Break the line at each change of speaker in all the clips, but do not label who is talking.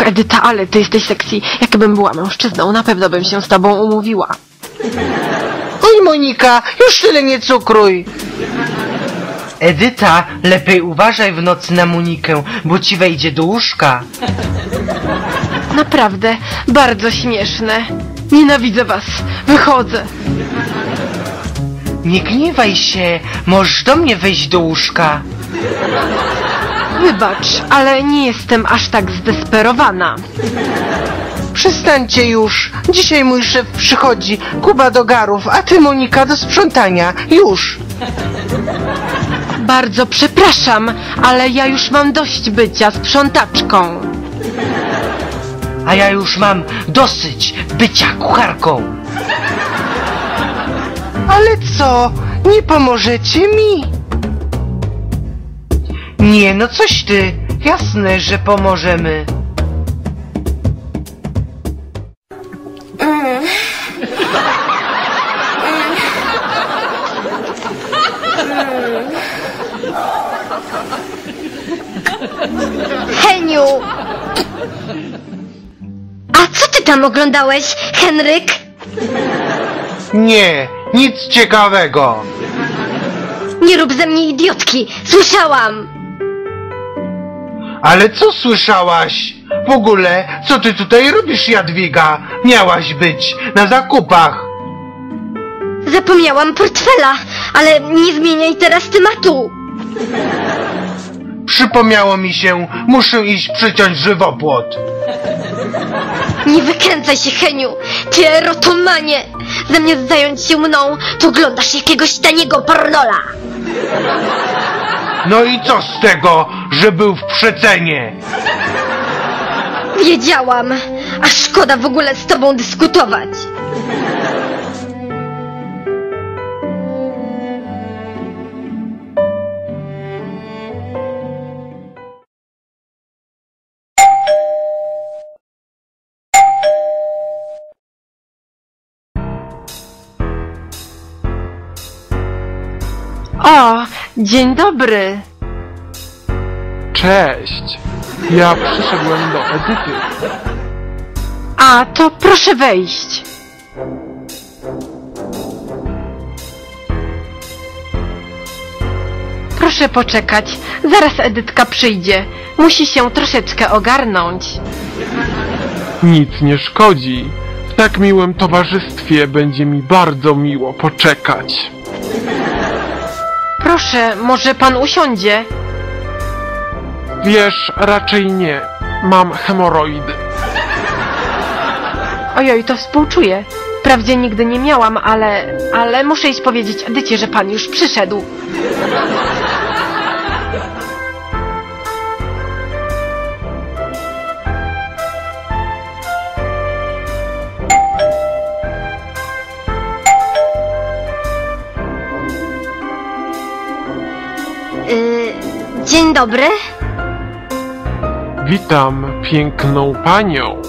Edyta, ale ty jesteś sexy. Jakbym była mężczyzną, na pewno bym się z tobą umówiła.
Oj, Monika, już tyle nie cukruj. Edyta, lepiej uważaj w nocy na Monikę, bo ci wejdzie do łóżka.
Naprawdę, bardzo śmieszne. Nienawidzę was. Wychodzę.
Nie gniewaj się, możesz do mnie wejść do łóżka.
Wybacz, ale nie jestem aż tak zdesperowana.
Przestańcie już, dzisiaj mój szef przychodzi, Kuba do garów, a ty, Monika, do sprzątania, już.
Bardzo przepraszam, ale ja już mam dość bycia sprzątaczką.
A ja już mam dosyć bycia kucharką. Ale co, nie pomożecie mi? Nie, no coś ty, jasne, że pomożemy.
Heniu! A co ty tam oglądałeś, Henryk?
Nie, nic ciekawego.
Nie rób ze mnie idiotki, słyszałam!
Ale co słyszałaś? W ogóle, co ty tutaj robisz, Jadwiga? Miałaś być na zakupach.
Zapomniałam portfela, ale nie zmieniaj teraz tematu.
Przypomniało mi się, muszę iść przyciąć żywopłot.
Nie wykręcaj się, Heniu, ty erotomanie! Zamiast zająć się mną, to oglądasz jakiegoś taniego pornola.
No i co z tego, że był w przecenie?
Wiedziałam, a szkoda w ogóle z tobą dyskutować.
O, dzień dobry.
Cześć! Ja przyszedłem do Edyty.
A, to proszę wejść. Proszę poczekać, zaraz Edytka przyjdzie. Musi się troszeczkę ogarnąć.
Nic nie szkodzi. W tak miłym towarzystwie będzie mi bardzo miło poczekać.
Proszę, może pan usiądzie?
Wiesz, raczej nie. Mam hemoroidy.
Ojoj, to współczuję. Wprawdzie nigdy nie miałam, ale muszę iść powiedzieć Edycie, że pan już przyszedł.
Dzień dobry.
Witam piękną panią.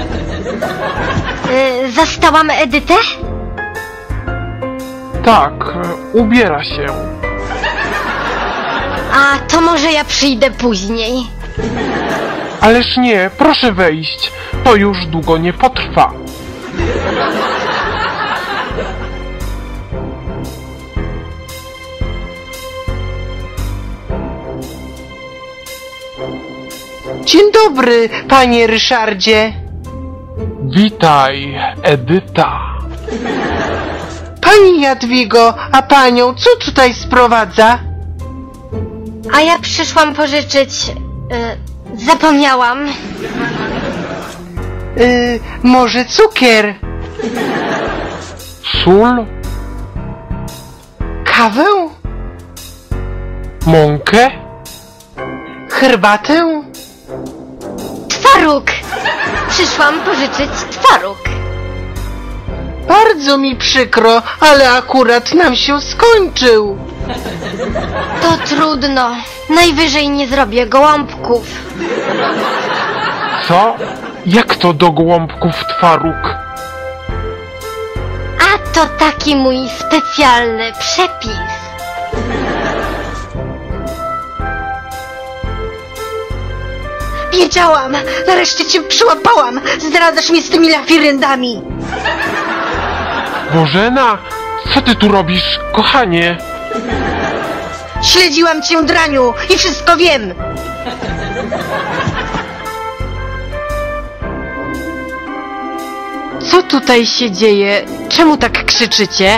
Zastałam Edytę?
Tak, ubiera się.
A to może ja przyjdę później.
Ależ nie, proszę wejść. To już długo nie potrwa.
Dzień dobry, panie Ryszardzie.
Witaj, Edyta.
Pani Jadwigo, a panią co tutaj sprowadza?
A ja przyszłam pożyczyć... zapomniałam.
Może cukier?
Sól?
Kawę?
Mąkę?
Herbatę?
Twaróg! Przyszłam pożyczyć twaróg.
Bardzo mi przykro, ale akurat nam się skończył.
To trudno. Najwyżej nie zrobię gołąbków.
Co? Jak to do gołąbków twaróg?
A to taki mój specjalny przepis.
Wiedziałam! Nareszcie cię przyłapałam! Zdradzasz mnie z tymi lafiryndami!
Bożena, co ty tu robisz, kochanie?
Śledziłam cię, draniu, i wszystko wiem!
Co tutaj się dzieje? Czemu tak krzyczycie?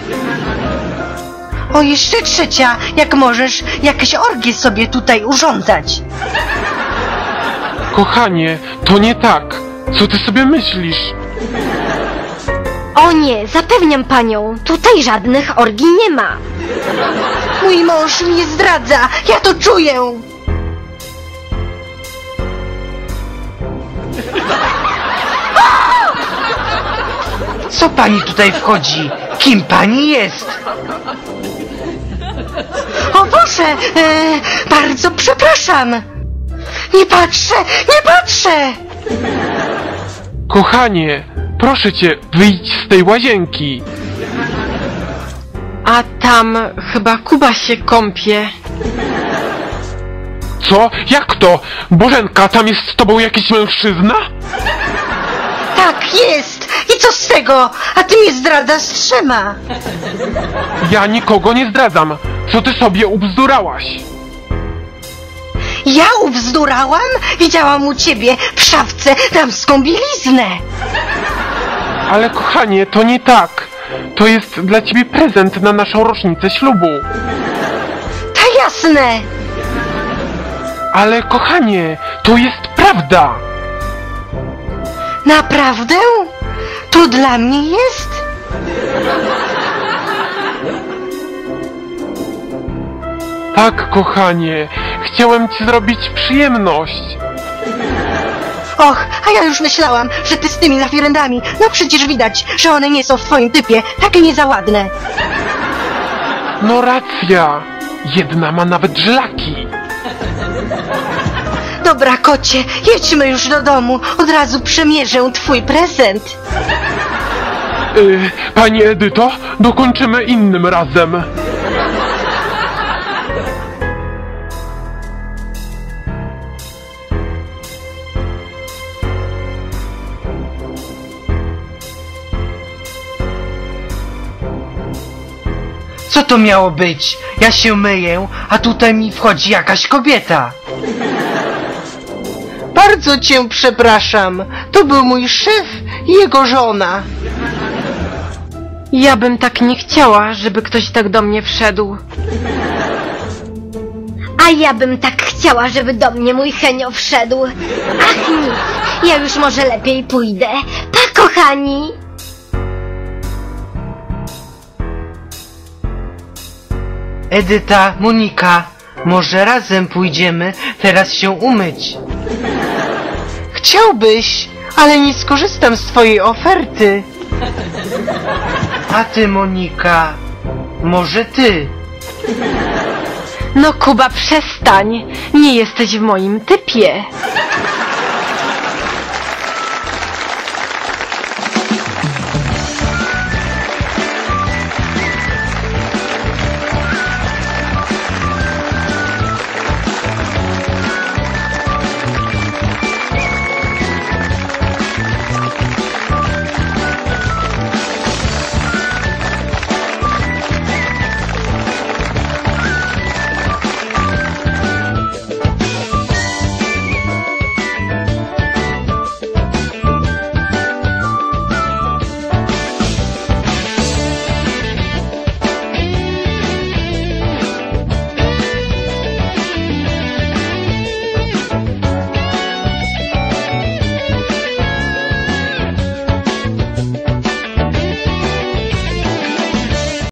O, jeszcze trzecia, jak możesz jakieś orgie sobie tutaj urządzać.
Kochanie, to nie tak. Co ty sobie myślisz?
O nie, zapewniam panią, tutaj żadnych orgii nie ma.
Mój mąż mnie zdradza, ja to czuję!
Co pani tutaj wchodzi? Kim pani jest?
O Boże, bardzo przepraszam! Nie patrzę, nie patrzę!
Kochanie, proszę cię, wyjdź z tej łazienki.
A tam chyba Kuba się kąpie.
Co? Jak to? Bożenka, tam jest z tobą jakiś mężczyzna?
Tak, jest! I co z tego? A ty mnie zdradzasz z 3.
Ja nikogo nie zdradzam. Co ty sobie ubzdurałaś?
Ja ubzdurałam? Widziałam u ciebie w szafce damską bieliznę.
Ale kochanie, to nie tak. To jest dla ciebie prezent na naszą rocznicę ślubu.
Ta jasne!
Ale kochanie, to jest prawda.
Naprawdę? To dla mnie jest?
Tak, kochanie, chciałem ci zrobić przyjemność.
Och, a ja już myślałam, że ty z tymi lafirendami, no przecież widać, że one nie są w twoim typie, takie nie za ładne.
No racja, jedna ma nawet żlaki.
Dobra, kocie, jedźmy już do domu, od razu przemierzę twój prezent.
Pani Edyto, dokończymy innym razem.
Co to miało być? Ja się myję, a tutaj mi wchodzi jakaś kobieta.
Bardzo cię przepraszam, to był mój szef i jego żona.
Ja bym tak nie chciała, żeby ktoś tak do mnie wszedł.
A ja bym tak chciała, żeby do mnie mój Henio wszedł. Ach nic, ja już może lepiej pójdę. Pa, kochani!
Edyta, Monika, może razem pójdziemy teraz się umyć?
Chciałbyś, ale nie skorzystam z twojej oferty.
A ty, Monika, może ty?
No Kuba, przestań. Nie jesteś w moim typie.